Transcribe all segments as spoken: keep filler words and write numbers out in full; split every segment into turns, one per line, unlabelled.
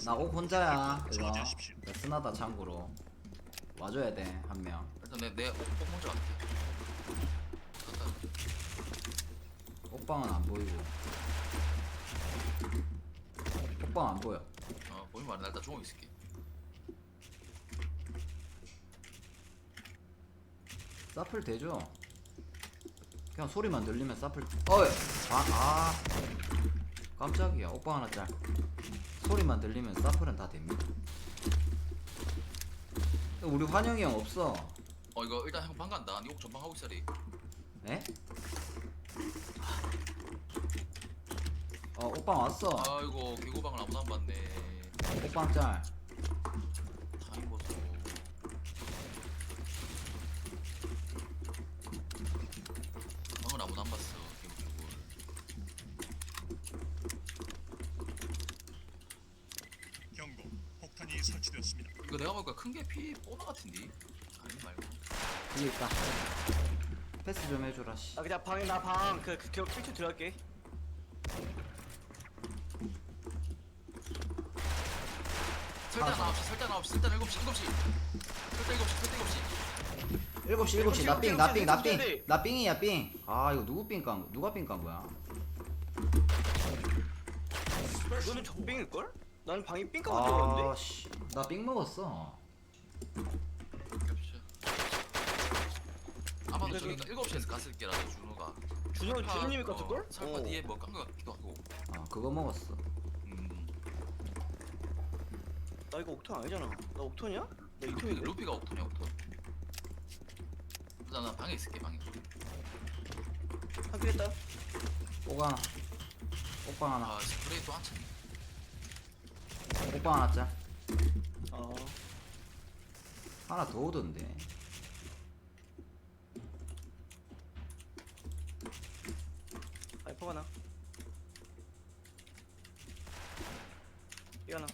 나 옥 혼자야 이거. 나 스나다 참고로. 와줘야 돼 한 명.
일단 내내 옥 먼저 갈게. 갔다.
옥방은 안 보이고. 옥방 안 보여.
어 보이면 말해. 나 일단 중옥 있을게.
사플 대죠. 그냥 소리만 들리면 사플. 어이. 아, 아. 깜짝이야. 옥방 하나 짤. 소리만 들리면 사플은 다 됩니다. 우리 환영이 형 없어.
어 이거 일단 형 방 간다. 니옥 전방 하고 있어리.
네? 어, 옥방 왔어.
아이고 개구방을 아무도 안 봤네.
옥방 짤.
타임 보소. 방을 아무도 안 봤어. 개구
경고. 폭탄이 설치되었습니다.
이거 내가 보니까 큰 게 피 보너 같은데. 아니 말고.
여기 있다. 패스 좀 해줘라 씨.
아 그냥 방에 나 방그 그, 그, 필터 들어갈게.
설대 아홉 시, 설대 아홉 시, 설대 일곱 시, 일곱 시. 설대 일곱 시, 설대 일곱 시.
일곱 시 일곱 시 나 삥
일곱
나
시,
삥 나
일곱 시,
삥
일곱 시.
나 삥이야 삥. 아 이거 누구 삥 깐? 누가 삥 깐 거야?
너는 적빙일 걸? 나는 방이 삥 까고 들어갔는데.
아씨 나 삥 먹었어.
겹쳐. 아마도 저기 일곱 시에서 갔을 게라도 준호가.
준호
살파,
준호님이
어,
갔을 걸?
살파 뒤에 뭐 깐 거 같기도 하고.
아 그거 먹었어.
음.
나 이거 옥톤 아니잖아. 나 옥톤이야? 나
루피,
이톤인데.
루피가 옥톤이야 옥톤. 일단 나 방에 있을게 방에.
한킬 했다.
옥 하나. 옥방 하나.
아 스프레이 또 한참.
옥방 하나 짤.
어.
하나 더 오던데.
아이퍼가 나. 이 하나.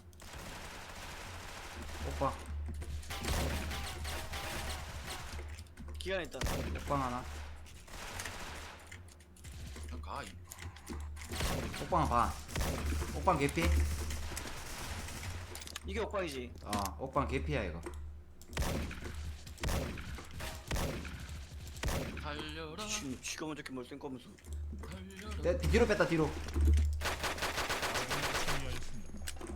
옥방.
기간 있다.
옥방 하나.
그냥 가. 이.
옥방 반. 옥방 개피.
이게 옥방이지.
어 옥방 개피야 이거.
달려라.
지금 쥐가 먼저 이렇게 멀쩡 거면서.
달려라.
내 뒤로 뺐다 뒤로.
승리하였습니다.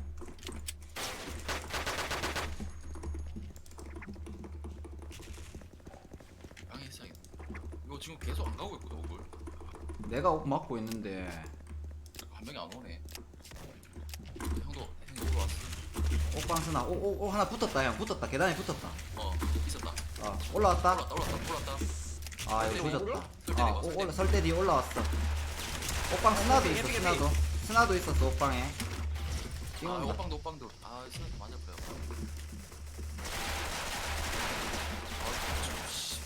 방에 있어야겠다. 이거 지금 계속 안 가고 있거든 옥을.
내가 옥 막고 있는데.
자꾸 한 명이 안 오네. 형도 형도 옥으로 왔어.
옥방 스나. 오오오 하나 붙었다 형. 붙었다. 계단에 붙었다.
어 있었다.
어 올라왔다.
올랐다 올랐다 올랐다.
아 이거
설대
조졌다.
설대
아
내가,
오,
설대.
올라 설대 뒤에 올라왔어. 옥방 스나도
예쁘게,
있어
예쁘게.
스나도. 스나도 있었어 옥방에.
아
띵온다.
오빵도 오빵도. 아 스나도 맞을 거야. 아 씨.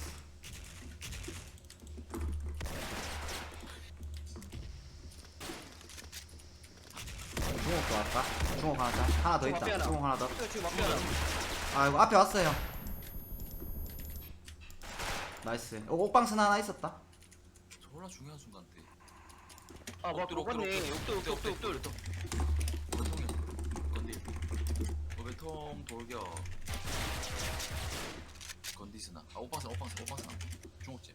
중옥도 왔다. 중옥 하나 더. 하나 더
중옥 앞에
있다.
하나.
중옥 하나 더.
이거 지금 막대 하나.
아 이거 앞에 왔어요. 나이스. 어, 옥방 스나 하나 있었다.
졸라 중요한 순간 때.
아 뭐, 먹었네. 옥돌 옥돌 옥돌 옥돌.
외통이 건디. 외통 돌격. 건디스나. 아 오빵스 오빵스 오빵스. 중국집.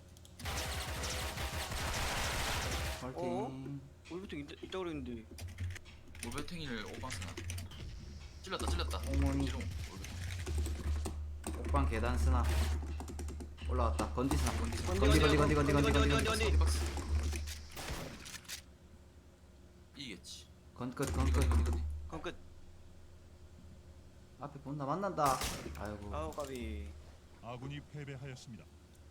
파이팅.
우리부터 있다 있다 그랬는데.
올베탱이를 오빵스나. 찔렀다 찔렀다.
어머니.
지롱 올베탱.
옥방 계단 스나. 올라왔다. 건디 스나.
건디 스나.
건디 건디 건디 건디 건디 건디 건디.
건디.
박스. 이겠지.
건끝
건디
건끝.
건디 건디.
그럼 끝.
앞에 본다 만난다. 아이고.
아우 까비.
아군이 패배하였습니다.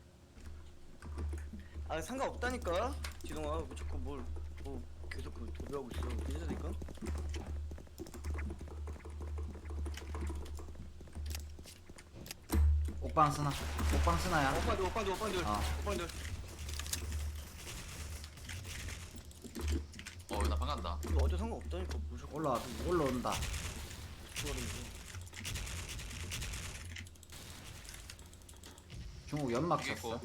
아 상관없다니까. 지동아 뭐 자꾸 뭘 뭐 계속 그 도배하고 있어. 괜찮다니까.
옥방 스나. 옥방 스나야.
오빠들 오빠들 오빠들
아.
오빠들.
어나 반간다.
이거 어제 상관없다니까. 뭐 자꾸
올라 올라온다.
죽어버리면서.
중국 연막
이게
쳤어.
있고.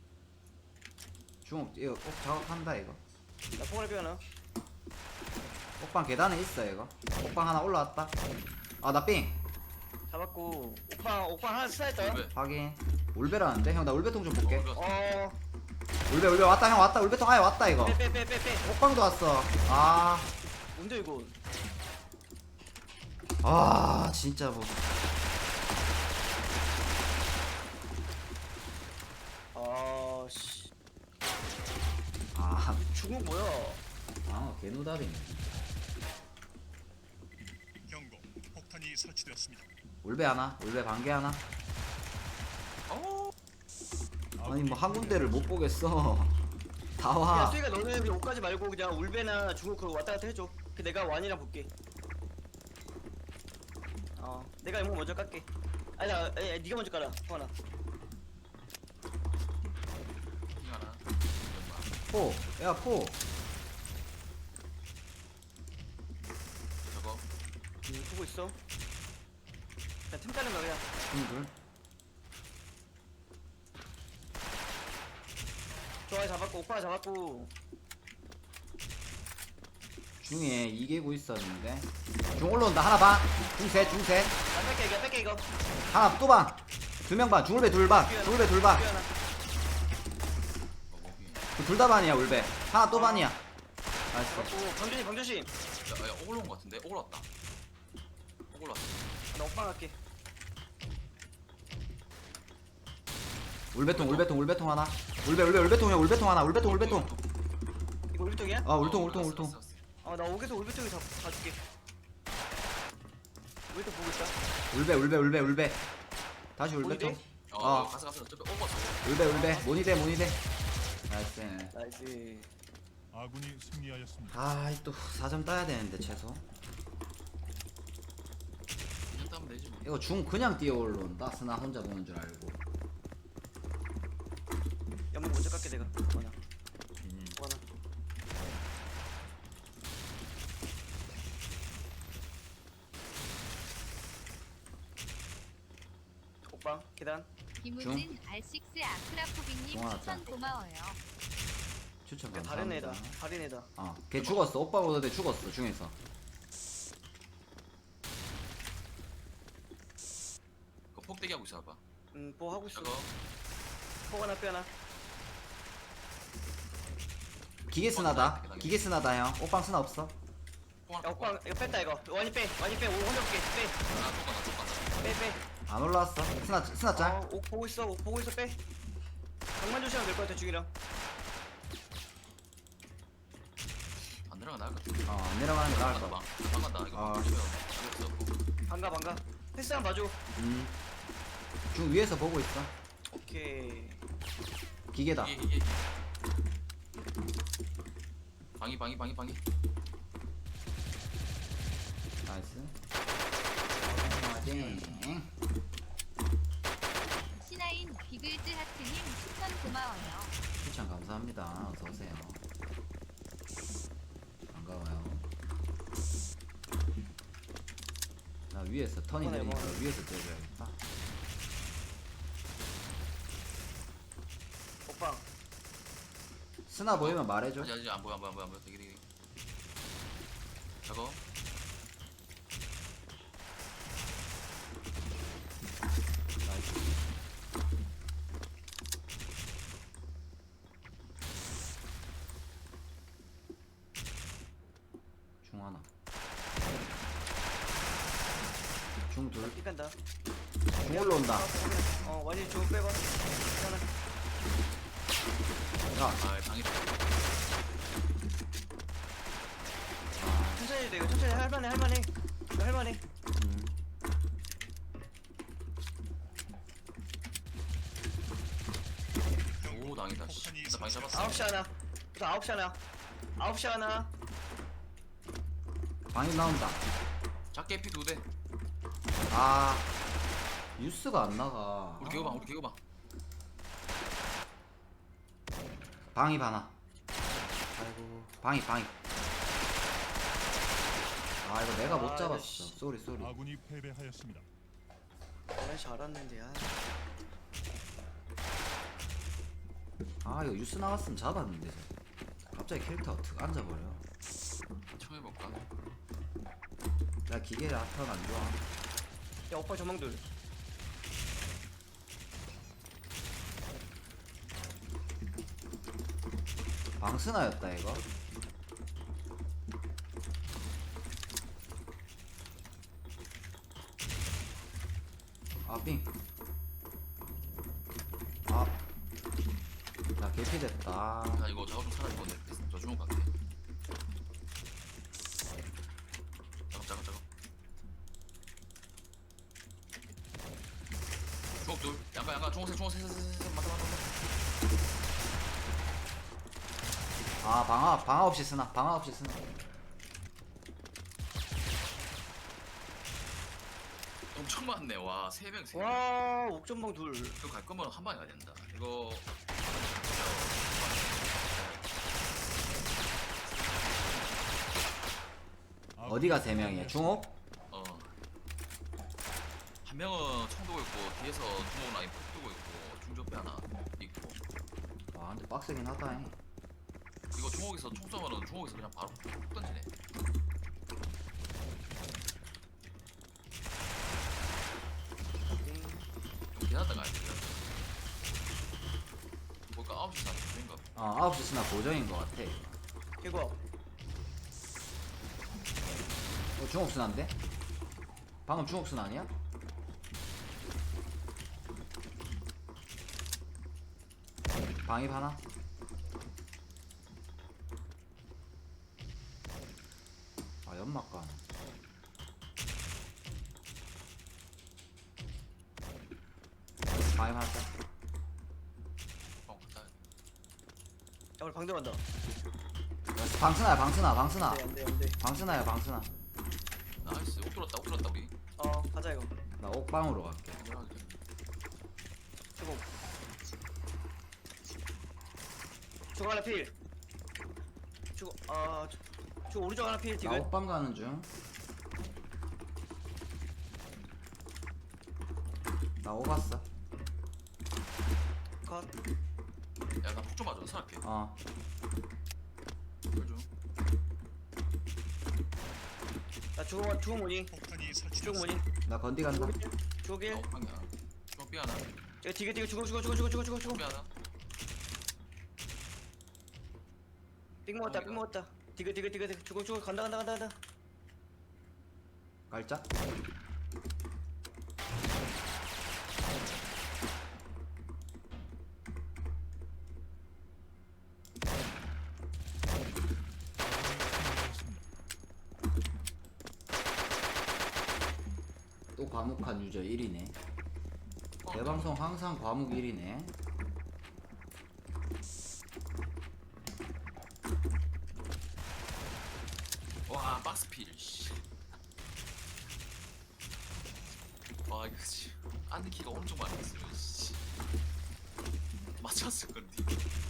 중국 이거 꼭 작업한다 이거.
나 뽕을 빼나?
옥방 계단에 있어 이거. 옥방 하나 올라왔다. 아 나 삥.
잡았고 오빠 오빠 하나 스나했다.
울베.
확인. 울베라는데 형 나 울베통 좀 볼게.
울베.
어
울베 울베 왔다 형 왔다. 울베통 아예 왔다 이거.
빼 빼 빼 빼빼.
옥방도 왔어. 아.
뭔데 이거?
아 진짜 뭐.
아씨
아.
중국 뭐야?
아 개노답이네.
경고. 폭탄이 설치되었습니다.
울베 하나. 울베 반개 하나.
어.
아니 뭐 한 군데를 못 보겠어. 다
야
와.
수희가 너는 그냥 옷까지 말고 그냥 울베나 중국으로 왔다 갔다 해줘. 그 내가 완이랑 볼게. 어 내가 이거 먼저 깎게. 아니 나 에, 에, 네가 먼저 깔아. 성환아.
핑 하나.
포. 야 포.
저거.
음, 보고 있어. 그냥 틈 까는 거 그냥.
중둘.
좋아 잡았고 오빠 잡았고.
중에 이개구 있었는데. 중 올라온다. 하나 반. 중셋 중셋.
나 뺄게 이거 뺄게 이거.
하나 또 반. 두 명 반. 중울배 둘 반. 중울배 둘 반.
하나.
어, 거기.
둘 다 반이야 울배. 하나 또 반이야. 나이스.
잡았고 방준이 방준씨.
야, 야, 오글 온거 같은데? 오글 왔다. 오글 왔어.
나 오빠 갈게.
울배통 울배통 울배통 하나. 울배 울배 울배통이야 울배통 하나. 울배통 울배통.
이거 울통이야?
아 울통
어,
울통
왔어,
울통.
왔어, 왔어.
어나 오게서 울베통이 다 가줄게. 울베통 보고 있다.
울배 울배 울배 울배. 다시 울배통.
보이대?
어,
어.
가서 가서 저기 오글 왔어.
울배 울배. 모니대 모니대. 나이스.
나이스.
아군이 승리하였습니다.
아또 사 점 따야 되는데 최소.
이제 따면 되지 뭐.
이거 중 그냥 뛰어 올라온다. 스나 혼자 보는 줄 알고.
연막 먼저 깎게 내가. 하나.
음.
하나. 오빠 계단.
김우진 알식스 아크라포비님
고마웠다.
추천 고마워요.
추천
야, 다른 애다.
감사합니다.
다른 애다.
어, 걔 죽었어. 오빠 보던데 죽었어 중에서.
그 폭대기 하고 있어 봐.
음, 뭐 하고 있어.
저거.
포 하나 뼈 하나.
기계 스나다. 기계 스나다 형. 오빵 스나 없어.
뽕
야, 오빠 이거 뺐다 이거. 완이 빼. 완이 빼. 오 혼자 볼게. 빼.
하나 쪽 간다 쪽 간다.
빼 빼.
안 올라왔어. 스나 스나 짤.
어, 오 보고 있어. 오 보고 있어. 빼. 방만 조심하면 될 것 같아 중이랑.
안 내려가 나을 것 같아.
어, 안 내려가는 게 나을
간다
거.
방. 방 간다. 이거
아.
방 조심해. 없어.
반가 반가. 패스 한번 봐줘.
음. 중 위에서 보고 있어.
오케이.
기계다.
이게 이게. 방이 방이 방이 방이.
나이스. 화이팅.
신하인 비글즈 하트님 추천 고마워요.
추천 감사합니다. 어서 오세요. 반가워요. 나 위에서 턴이
이번에
내리니까
뭐.
위에서 때려야겠다.
오빠.
스나 보이면 말해줘.
아직 아직 안 보여 안 보여 안 보여 안 보여. 되게 되게. 저거.
나이스. 중 하나. 중 둘.
삐 간다.
중 올라온다.
어 완이 좀 빼봐. 하나.
야,
아 방이.
천천히 해도 돼. 이거 천천히 할만해 할만해. 이거 할만해.
음.
오 당이다. 씨.
폭탄이
나 방이 잡았어.
아홉 시 하나. 또 아홉 시 하나. 아홉 시 하나.
방이 나온다.
작게 피 두 대.
아, 뉴스가 안 나가.
우리 개고봐 우리 개고봐.
방이 하나. 아이고, 방이 방이. 아, 이거 내가 못
아,
잡았어.
씨.
쏘리 쏘리.
아군이 패배하였습니다.
아 잘았는데 야.
아, 이거 뉴스 나왔으면 잡았는데. 갑자기 캐릭터 어떻게 앉아버려.
총 해볼까?
나 기계 라턴 안 좋아.
야 오빠 전망들.
방스나였다 이거. 아빙. 아. 나 개피됐다.
나 이거 작업 좀 살아있고 저 주문 갈게. 작업 작업 작업. 주먹 둘. 양가 양가 중옥색 중옥색 셋셋셋 맞다 맞다 맞다.
아 방아 방아 없이 쓰나 방아 없이 쓰나.
엄청 많네. 와 세 명 세 명.
와 옥전방 둘.
이거 갈 거면 한 방에 가야 된다. 이거
어디가 세 명이야? 중옥?
어. 한 명은 총 들고 있고 뒤에서 중옥 라인 폭 들고 있고 중저배 하나 있고.
와 근데 빡세긴 하다. 잉.
이거 중옥에서 총 쏘면은 중옥에서 그냥 바로 폭 던지네. 좀 기다렸다가 가야 돼. 볼까 아홉 시 사는 된가?
어 아홉 시 쓰나 고정인 것 같아.
이거
어 중옥 쓰나인데? 방금 중옥 쓰나 아니야? 방입 하나? 아 연막 가네. 방입 하나 짜.
어, 갔다.
야 우리 방대 간다.
방스나야 방스나 방스나
안돼 안돼 안돼.
방스나야 방스나.
나이스. 옥 들었다. 옥 들었다 우리.
어 가자 이거.
나 옥방으로 갈게.
안전하게 돼.
주공. 주공 하나 필. 주공 아 주, 주 오른쪽 하나 필
나
지금.
옥방 가는 중. 나 오갔어.
컷.
야나 폭 좀 맞아. 살게.
어.
그죠?
나 주공 주공 뭐니?
폭탄이
주공
설치되었습니다.
뭐니?
나 건디 간다.
주공
나
일.
옥방이야. 중옥 삐 하나.
야 디게 디게 주공 주공 주공 주공 주공 주공 주공.
삐 하나.
삑 먹었다 삑 먹었다. 디게 디게 디게 디게 주공 주공 간다 간다 간다 간다.
깔짝. 또 과묵한 유저 일 위네. 내 방송 항상 과묵 일 위네.
와 박스필. 씨. 와 이거 씨. 안는 키가 엄청 많았어요. 씨. 맞췄을 건데.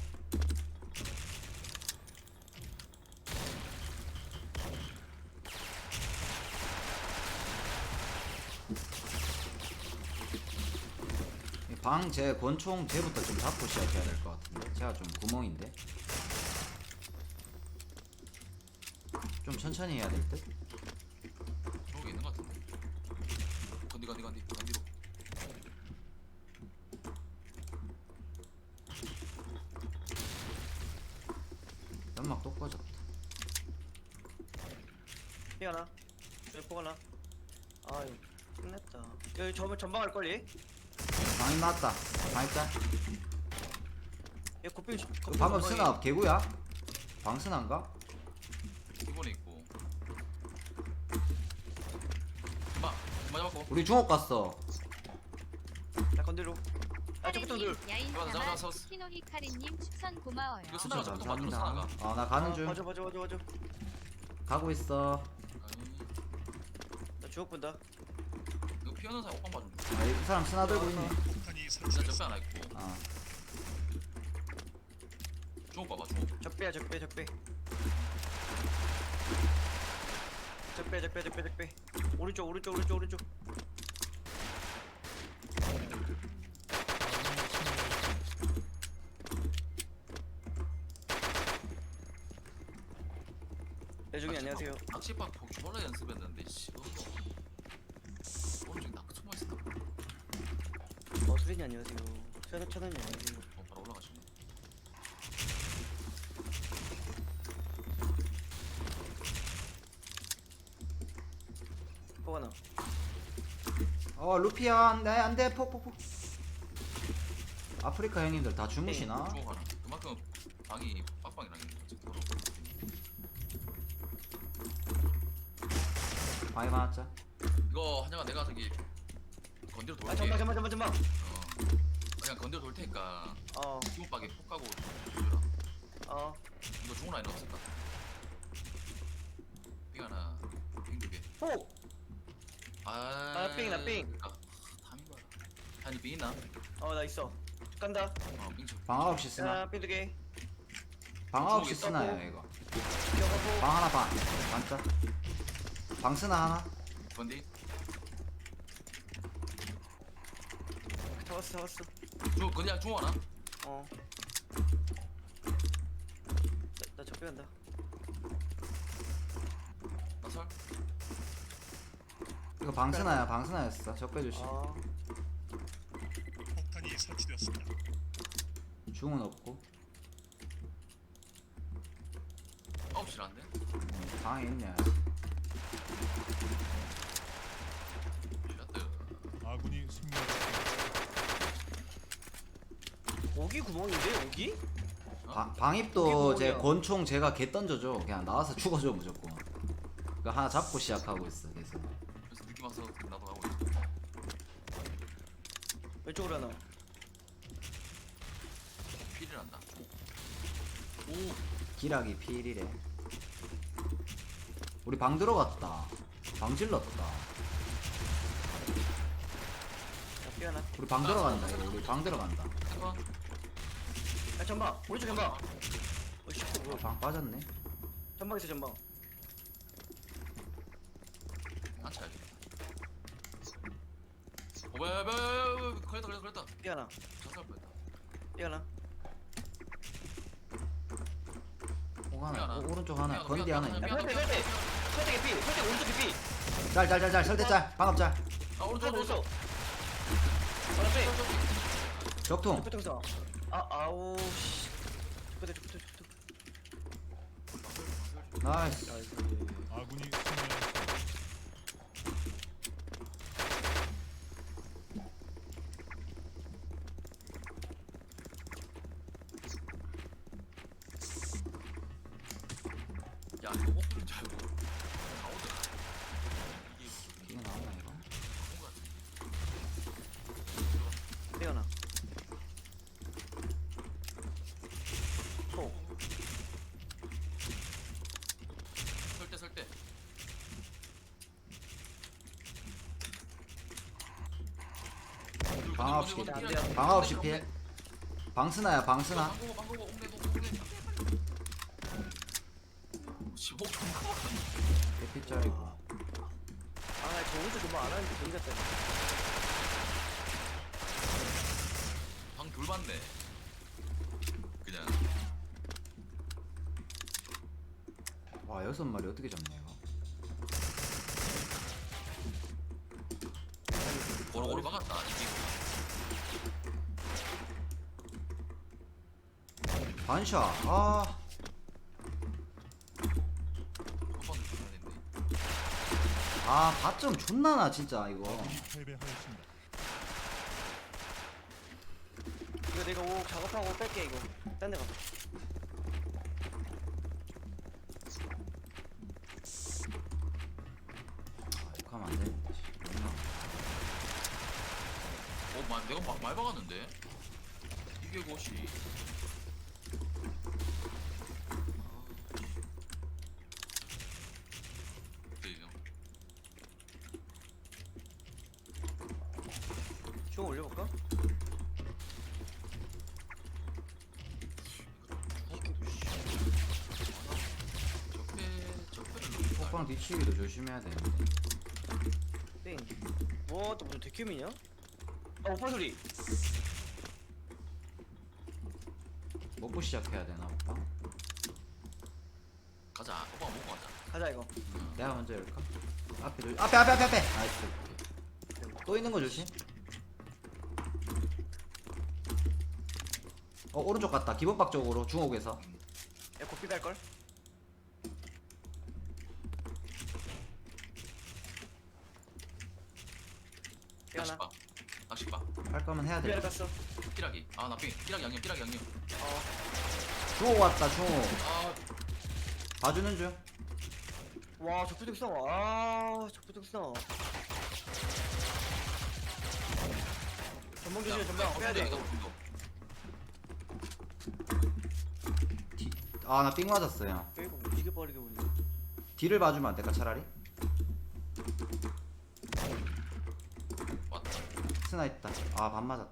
방 제 권총 제부터 좀 잡고 시작해야 될 것 같은데. 제가 좀 구멍인데. 좀 천천히 해야 될 듯.
저기 있는 것 같은데. 건디 건디 건디 건디로.
연막 또 꺼졌다.
삐 하나. 여기 포 하나. 아유 끝냈다. 여기 저 전방 할 걸리?
방이 났다. 방이 짤.
얘 고삐.
그 방금 스나 개구야? 방 스나인가?
기본에 있고. 마 맞아 맞고.
우리 중옥 갔어.
나 건드려. 아 저부터
카리님
들.
야인
잡았어,
사마
잡았어.
스키노 히카리님 추천 고마워요.
이거 스나가 저부터 맞춰
감사합니다.
스나가.
아 나 가는 중.
맞아 맞아 맞아 맞아.
가고 있어.
아니
나 주옥 본다.
이거 피하는 사람 오빠 봐좀.
아, 이 사람 스나 들고 있네.
폭탄이
진짜 적배
설치되었습니다.
하나 있고.
아
중옥 봐봐 중옥.
적배야 적배 적배. 적배 적배 적배 적배. 오른쪽 오른쪽 오른쪽 오른쪽. 대중이 안녕하세요.
낚시박 폭 졸라 연습했는데 씨 그거 오른쪽 낚 숨어 있었다.
어 수빈이 안녕하세요. 천원 천원이 안녕하세요.
어 바로 올라가시네.
포가나.
어 루피야 안돼 안돼 폭폭폭. 아프리카 형님들 다 주무시나?
주고 가라. 그만큼 방이 빡빡이랑 지금 돌아.
방이 많았자.
이거 한영아 내가 저기 건드려 돌게.
아 잠만 잠만 잠만 잠만.
어. 그냥 건드려 돌 테니까
어
기본박에 폭 가고 주라.
어.
이거 좋은 라인 없을까? 삥 하나, 삥 두 개.
포.
아,
아, 삥, 나 삥.
아, 담인 거야. 한이 삥 있나?
어 나 있어. 간다.
어, 삥 쳐.
방 아홉 시 쓰나?
자 삐두 개.
방 아홉 시
주먹이
쓰나요 이거?
기어가고.
방 하나 반. 반짜. 방 쓰나 하나?
건디?
잡았어 잡았어.
중, 건디 중 하나?
어. 나 적배 간다.
나설?
이거 방 쓰나야 방 쓰나였어. 적배 조심.
어.
폭탄이 설치되었습니다.
중은 없고.
아홉 시라는데?
음, 방에 있네.
샷드.
아군이 승리하였습니다.
오기 구멍인데 오기?
방 방입도
이게
제
뭐냐?
권총 제가 개 던져줘. 그냥 나와서 죽어줘 무조건. 그 하나 잡고 시작하고 있어 계속.
그래서 느낌 와서 나도 가고 있어.
왼쪽으로 하나.
필이 난다. 오,
기락이 필이래. 우리 방 들어갔다. 방 질렀다.
자 삐 하나.
우리 방 들어간다. 이거 우리 방 들어간다.
잠깐.
야 전방. 오른쪽 전방. 어씨
아,
뭐야?
방 빠졌네.
전방 있어 전방.
안 차야지. 오, 왜, 왜, 왜, 왜, 걸렸다, 걸렸다, 걸렸다.
삐 하나.
자살 뻔했다.
삐 하나.
공 하나.
미안하다.
오, 오른쪽 하나.
미안하다,
건디 하나
미안하다,
있네.
야 설대 설대. 설대 개피. 설대 오른쪽 개피.
짤짤짤짤 설대짤. 방업 짤.
아, 오른쪽,
설대
오른쪽.
오른쪽. 하나 빼.
적통.
적배통사. 아 아우 씨. 적배통 적배통 적배통.
나이스.
아군이 승리하였습니다.
야, 이거 못 부른 줄 알고. 다 오더라. 이게
이게 나오나 이거?
뭔가
삐 하나. 포.
설대, 설대.
방 아홉 시.
건디, 건디,
안
건디,
돼요.
방 아홉 시
건디,
피해. 방 쓰나야 방 쓰나?
방고고, 방고고, 옥내, 옥내, 옥내. 십오 점
개피짤이고.
아저 오른쪽 전방 안 하는데 괜히 갔다.
방둘 봤네. 그냥.
와 여섯 마리 어떻게 잡냐 이거?
고루고루 박았다. 이기고.
반샷. 아
한번더 줘야 되는데.
아, 바점 존나 나 진짜 이거.
패배하였습니다.
이거 내가 오 작업하고 뺄게 이거. 딴 데 가.
아, 욕하면 안 되는데. 씨. 존나.
어, 마, 내가 마, 많이 박았는데? 이게 것이.
좀 올려볼까?
폭방 뒤치기도 조심해야 되는데.
땡. 뭐, 또 무슨 데큐미냐? 아, 오빠 소리.
먹고 시작해야 되나 오빠?
가자. 오빠가 먹고 가자.
가자 이거.
내가 먼저 열까? 앞에 조 앞에 앞에 앞에 앞에. 나이스. 또 있는 거 조심. 어 오른쪽 갔다. 기본박 쪽으로 중옥에서.
야 고삐 갈 걸.
낚시
깨어나.
봐 낚시 봐
할 거면 해야 돼.
피아를 갔어.
끼라기 아나 삥 끼라기 양념 끼라기 양념
어.
중옥 왔다 중옥.
아
봐주는 중.
와 적부적 써. 아 적부적 써. 전방 조심해 전방. 빼야 돼 이거.
아 나 삥 맞았어요.
빼고 움직여 버리게 우리.
뒤를 봐주면 안 될까 차라리?
왔다
스나 있다. 아 반 맞았다.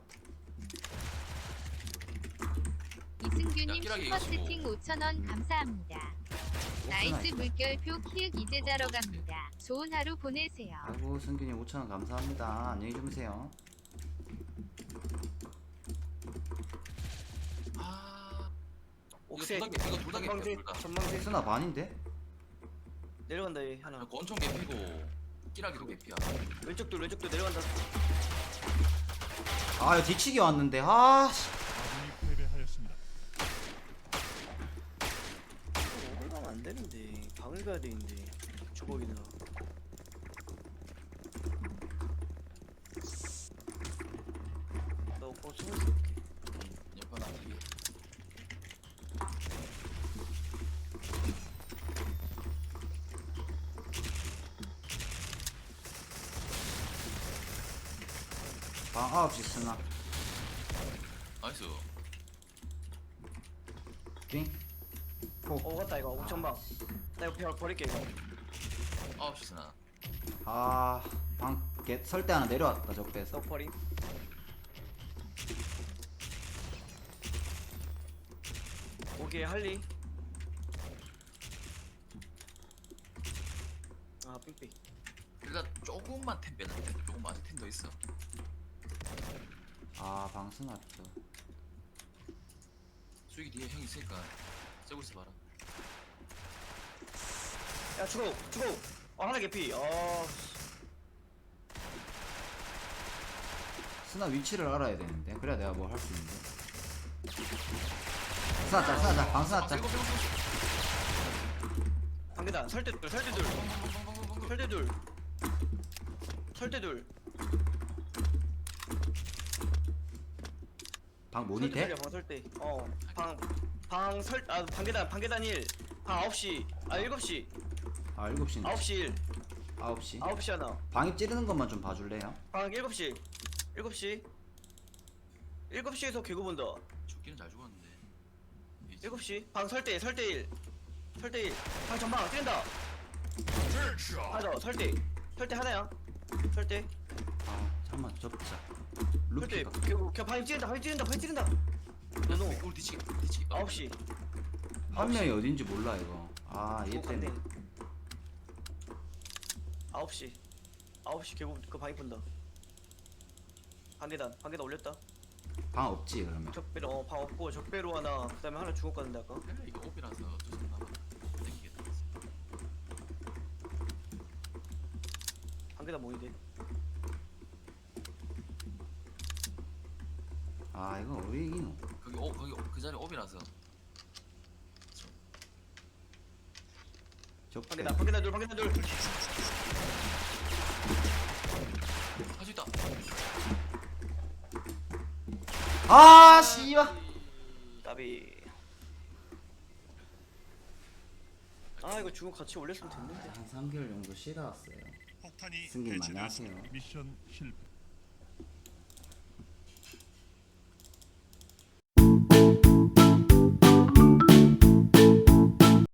이승규님
야, 끼라기
슈퍼
이거
채팅 오천 원 감사합니다. 나이스 물결표 키읔 이제 자러 갑니다. 좋은 하루 보내세요.
아이고 승균이 오천 원 감사합니다. 안녕히 주무세요.
아
옥색.
이거 돌다개 이거 돌다개
전망대.
돌다
전망대.
스나 반인데?
내려간다 얘 하나.
권총 개피고 끼라기도 개피야
왼쪽도 왼쪽도 내려간다.
아 이거 뒤치기 왔는데 아 씨.
아군이 패배하였습니다.
이거 가면 안 되는데 방을 가야 되는데 주걱이나. 나 오빠 숨을 수 없게.
옆에 나 뒤에
방 아홉 시 스나.
나이스
삥.
어 갔다 이거 옥천방. 나 이거 벼- 버릴게 이거.
아홉 시 스나
아방 설대 하나 내려왔다 적배에서.
너 버림. 오케이 할리. 아 삑삑.
일단 조금만 템 빼는데 조금만 아직 템 더 있어
아방 스나 또.
수익이 뒤에 형 있으니까 쬐고 있어 봐라
야 죽어 죽어. 아 하나 개피. 아
스나 위치를 알아야 되는데 그래야 내가 뭐 할 수 있는데. 스나 짤 스나 짤방 스나 짤.
방계단 설대둘 설대둘 설대둘 설대둘.
방 모니 돼?
방 설대. 어방방설아 방계단 방계단 일. 방 아홉 시. 아 일곱 시.
아 일곱 시네.
아홉 시 일.
아홉 시.
아홉 시 하나.
방입 찌르는 것만 좀 봐줄래요?
방 일곱 시. 일곱 시. 일곱 시에서 개구 본다.
죽기는 잘 죽었는데
일곱 시. 방 설대 설대 일. 설대 일. 방 전방 뛴다. 맞아 설대. 설대 하나야. 설대.
아 잠깐만 접자.
설대.
루키가.
개구 개 방이 찌른다. 방이 찌른다. 방이 찌른다.
야, 우리 뒤치기 뒤치기
아홉 시.
한 명이 어딘지 몰라 이거. 아얘 때문에.
아홉 시. 아홉 시 개구 그 방이 본다. 방계단. 방계단 올렸다.
방 없지 그러면.
적배로 어, 방 없고 적배로 하나. 그다음에 하나 중국 갔는데 아까.
야, 이거 오비라서 어쩔 수 없나 봐 땡기겠다
방계단 모이대.
아 이거 왜 이기노?
거기 오 거기 그 자리 오비라서
적배.
방계단. 방계단 둘. 방계단 둘.
할 수 있다
아 씨발.
까비. 아 이거 중국 같이 올렸으면 됐는데.
한 삼 개월 정도 쉬다 왔어요.
폭탄이
승객님,
해체되었습니다.
안녕하세요.
미션 실패.